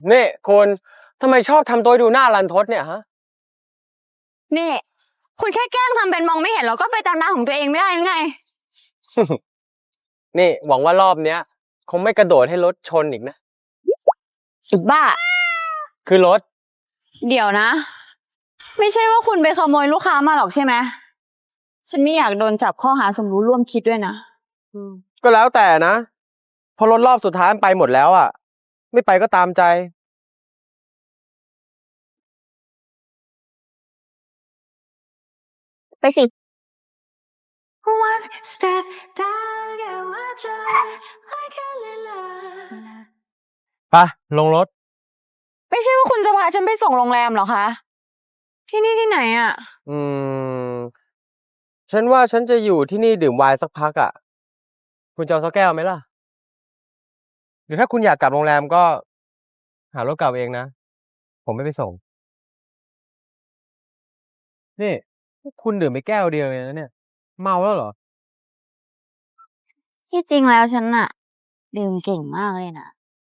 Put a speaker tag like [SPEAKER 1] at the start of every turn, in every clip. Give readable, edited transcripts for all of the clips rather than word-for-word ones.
[SPEAKER 1] นี่คุณทำไมชอบทำตัวดูหน้ารันทดเนี่ยฮะ
[SPEAKER 2] นี่ คุณแค่แกล้งทำเป็นมองไม่เห็นแล้วก็ไปตามหน้าของตัวเองไม่ได้ยังไง
[SPEAKER 1] นี่หวังว่ารอบเนี้ย คงไม่กระโดดให้รถชนอีกนะ
[SPEAKER 2] สุดบ้า
[SPEAKER 1] คือรถ
[SPEAKER 2] เดี๋ยวนะ ไม่ใช่ว่าคุณไปขโมยลูกค้ามาหรอกใช่ไหมฉันไม่อยากโดนจับข้อหาสมรู้ร่วมคิดด้วยนะ
[SPEAKER 1] ก็แล้วแต่นะพอรถรอบสุดท้ายมันไปหมดแล้วอ่ะ ไม่ไปก็ตามใจ
[SPEAKER 2] ไปสิ
[SPEAKER 3] One step down, yeah, watch out, like a little.
[SPEAKER 1] ไป ลงรถ
[SPEAKER 2] ไม่ใช่ว่าคุณจะพาฉันไปส่งโรงแรมเหรอคะ ที่นี่ที่ไหนอ่ะ
[SPEAKER 1] อืม ฉันว่าฉันจะอยู่ที่นี่ดื่มไวน์สักพักอ่ะ คุณจะเอาสักแก้วไหมล่ะ หรือถ้าคุณอยากกลับโรงแรมก็ หารถกลับเองนะ ผมไม่ไปส่ง นี่คุณดื่มไปแก้วเดียวเองนะเนี่ย เมาแล้วเหรอ
[SPEAKER 2] ที่จริงแล้วฉันน่ะดื่มเก่งมากเลยนะ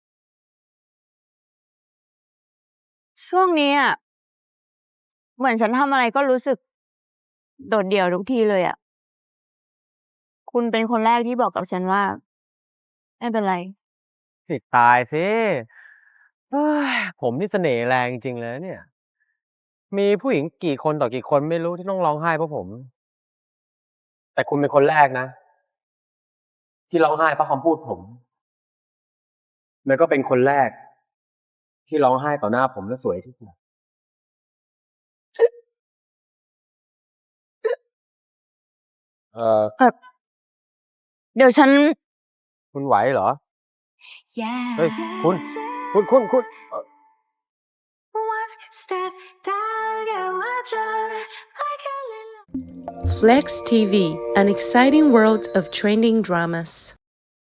[SPEAKER 2] ช่วงนี้อ่ะเหมือนฉันทำอะไรก็รู้สึก โดดเดี่ยวทุกทีเลยอ่ะ คุณเป็นคนแรกที่บอกกับฉันว่า ไม่เป็นไร
[SPEAKER 1] สิตายสิเฮ้ยผมนี่เสน่ห์แรงจริงๆเลยนะเนี่ย มีผู้หญิงกี่คนต่อกี่คนไม่รู้ที่ต้องร้องไห้เพราะผม แต่คุณเป็นคนแรกนะ ที่ร้องไห้เพราะคำพูดผม แล้วก็เป็นคนแรก ที่ร้องไห้ต่อหน้าผมและสวยที่สุด
[SPEAKER 2] เดี๋ยวฉัน
[SPEAKER 1] คุณไหวเหรอ
[SPEAKER 3] Yeah.
[SPEAKER 1] เฮ้ย คุณ
[SPEAKER 3] One step down, yeah, watch out, like a little.
[SPEAKER 4] Flex TV, an exciting world of trending dramas.